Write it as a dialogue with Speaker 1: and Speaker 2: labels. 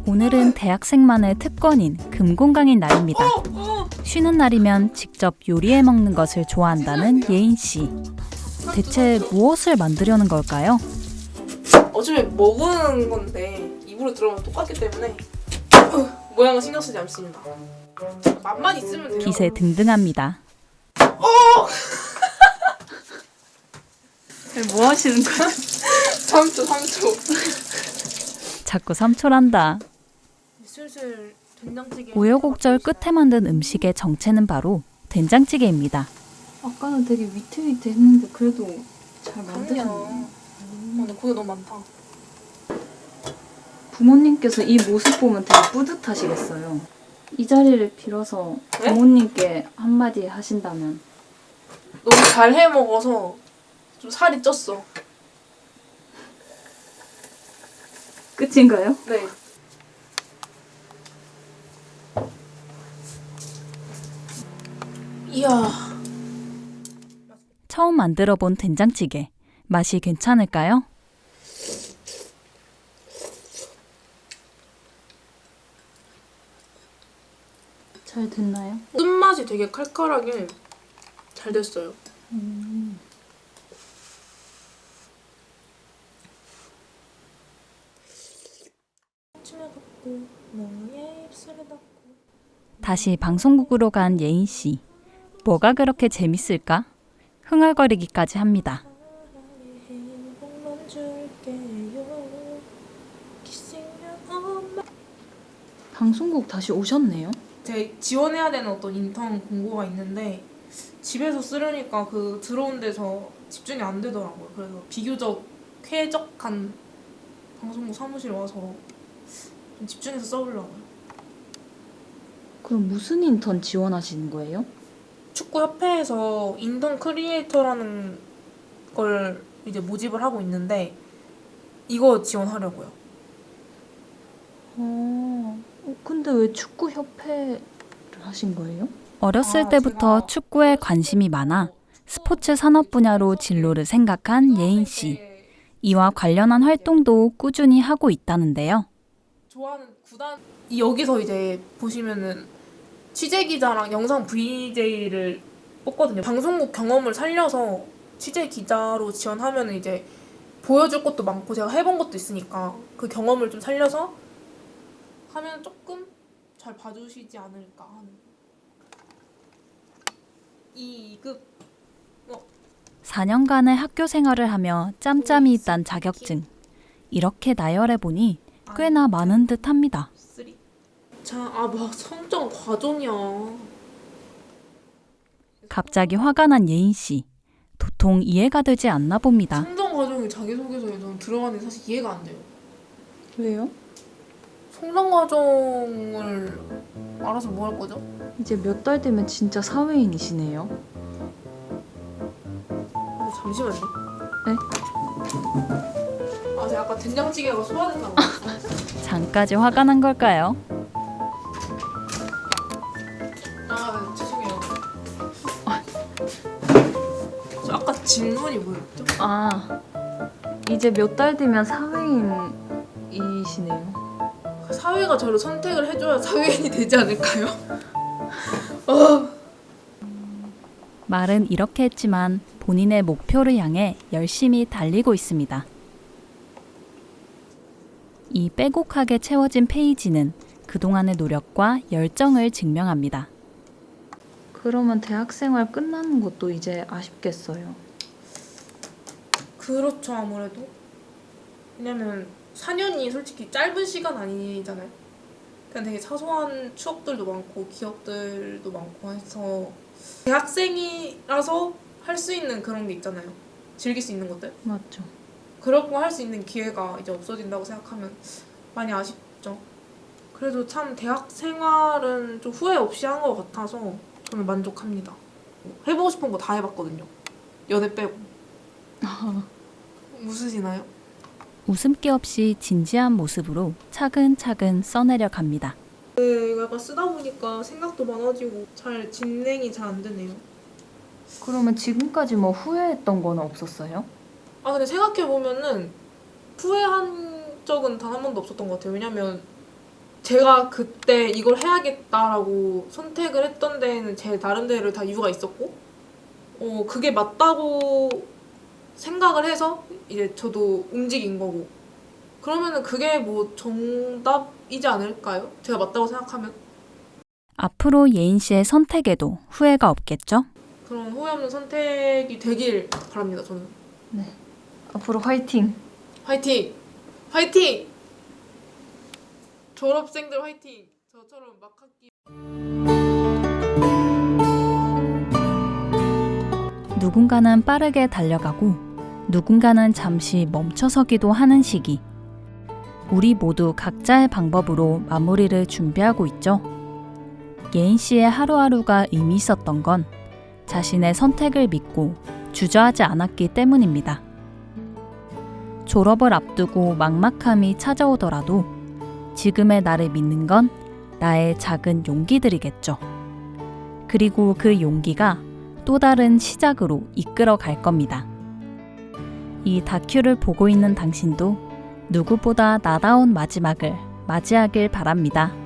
Speaker 1: 오늘은 대학생만의 특권인 금공강인 날입니다. 쉬는 날이면 직접 요리해 먹는 것을 좋아한다는 예인씨. 대체 무엇을 만들려는 걸까요?
Speaker 2: 어차피 먹은 건데 입으로 들어가면 똑같기 때문에 모양은 신경 쓰지 않습니다. 맛만 있으면 돼요.
Speaker 1: 기세 등등합니다.
Speaker 3: 뭐 하시는 거야?
Speaker 2: 3초.
Speaker 1: 자꾸 삼초란다.
Speaker 2: 슬슬 된장찌개.
Speaker 1: 우여곡절 끝에 만든 음식의 정체는 바로 된장찌개입니다.
Speaker 3: 아까는 되게 위태위태했는데 그래도 잘 만드셨네요.
Speaker 2: 근데 고기 너무 많다.
Speaker 3: 부모님께서 이 모습 보면 되게 뿌듯하시겠어요. 이 자리를 빌어서
Speaker 2: 네?
Speaker 3: 부모님께 한마디 하신다면.
Speaker 2: 너무 잘 해 먹어서 좀 살이 쪘어.
Speaker 3: 끝인가요?
Speaker 2: 네. 이야.
Speaker 1: 처음 만들어 본 된장찌개. 맛이 괜찮을까요?
Speaker 3: 잘 됐나요?
Speaker 2: 끝맛이 되게 칼칼하게 잘 됐어요.
Speaker 1: 다시 방송국으로 간 예인씨. 뭐가 그렇게 재밌을까? 흥얼거리기까지 합니다.
Speaker 3: 방송국 다시 오셨네요?
Speaker 2: 제 지원해야 되는 어떤 인턴 공고가 있는데 집에서 쓰려니까 그 들어온 데서 집중이 안 되더라고요. 그래서 비교적 쾌적한 방송국 사무실에 와서 좀 집중해서 써보려고요.
Speaker 3: 그럼 무슨 인턴 지원하시는 거예요?
Speaker 2: 축구협회에서 인턴 크리에이터라는 걸 이제 모집을 하고 있는데 이거 지원하려고요.
Speaker 3: 근데 왜 축구협회를 하신 거예요?
Speaker 1: 어렸을 때부터
Speaker 2: 제가
Speaker 1: 축구에 관심이 많아 스포츠 산업 분야로 진로를 생각한 예인씨. 이와 관련한 활동도 꾸준히 하고 있다는데요.
Speaker 2: 좋아하는 구단 여기서 이제 보시면은 취재 기자랑 영상 VJ를 뽑거든요. 방송국 경험을 살려서 취재 기자로 지원하면 이제 보여줄 것도 많고 제가 해본 것도 있으니까 그 경험을 좀 살려서 하면 조금 잘 봐주시지 않을까 하는. 2급
Speaker 1: 4년간의 학교 생활을 하며 짬짬이 있단 자격증. 이렇게 나열해보니 꽤나 많은 듯 합니다.
Speaker 2: 3. 뭐 성적 과정이야.
Speaker 1: 갑자기 화가 난 예인씨. 도통 이해가 되지 않나 봅니다.
Speaker 2: 성적 과정이 자기소개서에 전 들어가는 게 사실 이해가 안 돼요.
Speaker 3: 왜요?
Speaker 2: 성장 과정을 알아서 뭐 할 거죠?
Speaker 3: 이제 몇 달 되면 진짜 사회인이시네요.
Speaker 2: 잠시만요.
Speaker 3: 네?
Speaker 2: 제가 아까 된장찌개가 소화됐나 봐요.
Speaker 1: 잠까지 화가 난 걸까요?
Speaker 2: 죄송해요. 저 아까 질문이 뭐였죠?
Speaker 3: 이제 몇 달 뒤면 사회인이시네요.
Speaker 2: 사회가 저를 선택을 해줘야 사회인이 되지 않을까요?
Speaker 1: 말은 이렇게 했지만 본인의 목표를 향해 열심히 달리고 있습니다. 이 빼곡하게 채워진 페이지는 그동안의 노력과 열정을 증명합니다.
Speaker 3: 그러면 대학생활 끝나는 것도 이제 아쉽겠어요.
Speaker 2: 그렇죠, 아무래도. 왜냐면 4년이 솔직히 짧은 시간 아니잖아요. 그냥 되게 사소한 추억들도 많고 기억들도 많고 해서 대학생이라서 할 수 있는 그런 게 있잖아요. 즐길 수 있는 것들.
Speaker 3: 맞죠.
Speaker 2: 그런 거 할 수 있는 기회가 이제 없어진다고 생각하면 많이 아쉽죠. 그래도 참 대학 생활은 좀 후회 없이 한 것 같아서 저는 만족합니다. 해보고 싶은 거 다 해봤거든요. 연애 빼고. 웃으시나요?
Speaker 1: 웃음기 없이 진지한 모습으로 차근차근 써내려 갑니다.
Speaker 2: 네, 약간 쓰다 보니까 생각도 많아지고 잘 진행이 잘 안 되네요.
Speaker 3: 그러면 지금까지 뭐 후회했던 거는 없었어요?
Speaker 2: 근데 생각해보면은 후회한 적은 단 한 번도 없었던 것 같아요. 왜냐면 제가 그때 이걸 해야겠다라고 선택을 했던 데에는 제 나름대로 다 이유가 있었고 그게 맞다고 생각을 해서 이제 저도 움직인 거고 그러면은 그게 뭐 정답이지 않을까요? 제가 맞다고 생각하면
Speaker 1: 앞으로 예인 씨의 선택에도 후회가 없겠죠?
Speaker 2: 그런 후회 없는 선택이 되길 바랍니다. 저는
Speaker 3: 네. 앞으로 화이팅!
Speaker 2: 화이팅! 화이팅! 졸업생들 화이팅! 저처럼 막 학기
Speaker 1: 누군가는 빠르게 달려가고 누군가는 잠시 멈춰서기도 하는 시기. 우리 모두 각자의 방법으로 마무리를 준비하고 있죠. 예인 씨의 하루하루가 의미 있었던 건 자신의 선택을 믿고 주저하지 않았기 때문입니다. 졸업을 앞두고 막막함이 찾아오더라도 지금의 나를 믿는 건 나의 작은 용기들이겠죠. 그리고 그 용기가 또 다른 시작으로 이끌어 갈 겁니다. 이 다큐를 보고 있는 당신도 누구보다 나다운 마지막을 맞이하길 바랍니다.